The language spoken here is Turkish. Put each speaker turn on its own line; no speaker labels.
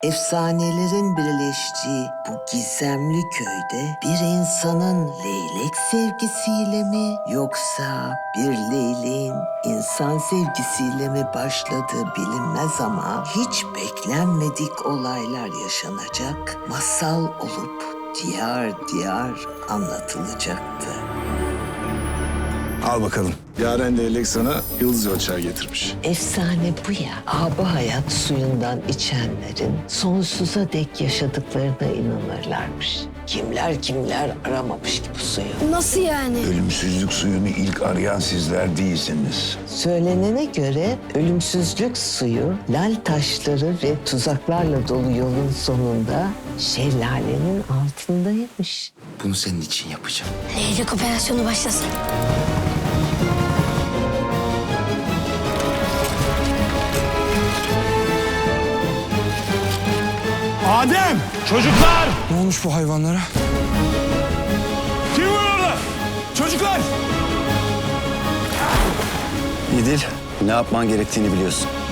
Efsanelerin birleştiği bu gizemli köyde bir insanın leylek sevgisiyle mi yoksa bir leyleğin insan sevgisiyle mi başladığı bilinmez ama hiç beklenmedik olaylar yaşanacak, masal olup diyar diyar anlatılacaktı.
Al bakalım. Yaren leylek sana yıldız ölçer getirmiş.
Efsane bu ya. Abi hayat suyundan içenlerin sonsuza dek yaşadıklarına inanırlarmış. Kimler kimler aramamış ki bu suyu.
Nasıl yani?
Ölümsüzlük suyunu ilk arayan sizler değilsiniz.
Söylenene göre ölümsüzlük suyu lal taşları ve tuzaklarla dolu yolun sonunda şelalenin altındaymış.
Bunu senin için yapacağım.
Leylek operasyonu başlasın.
Adem! Çocuklar!
Ne olmuş bu hayvanlara?
Kim var orada? Çocuklar!
İdil, ne yapman gerektiğini biliyorsun.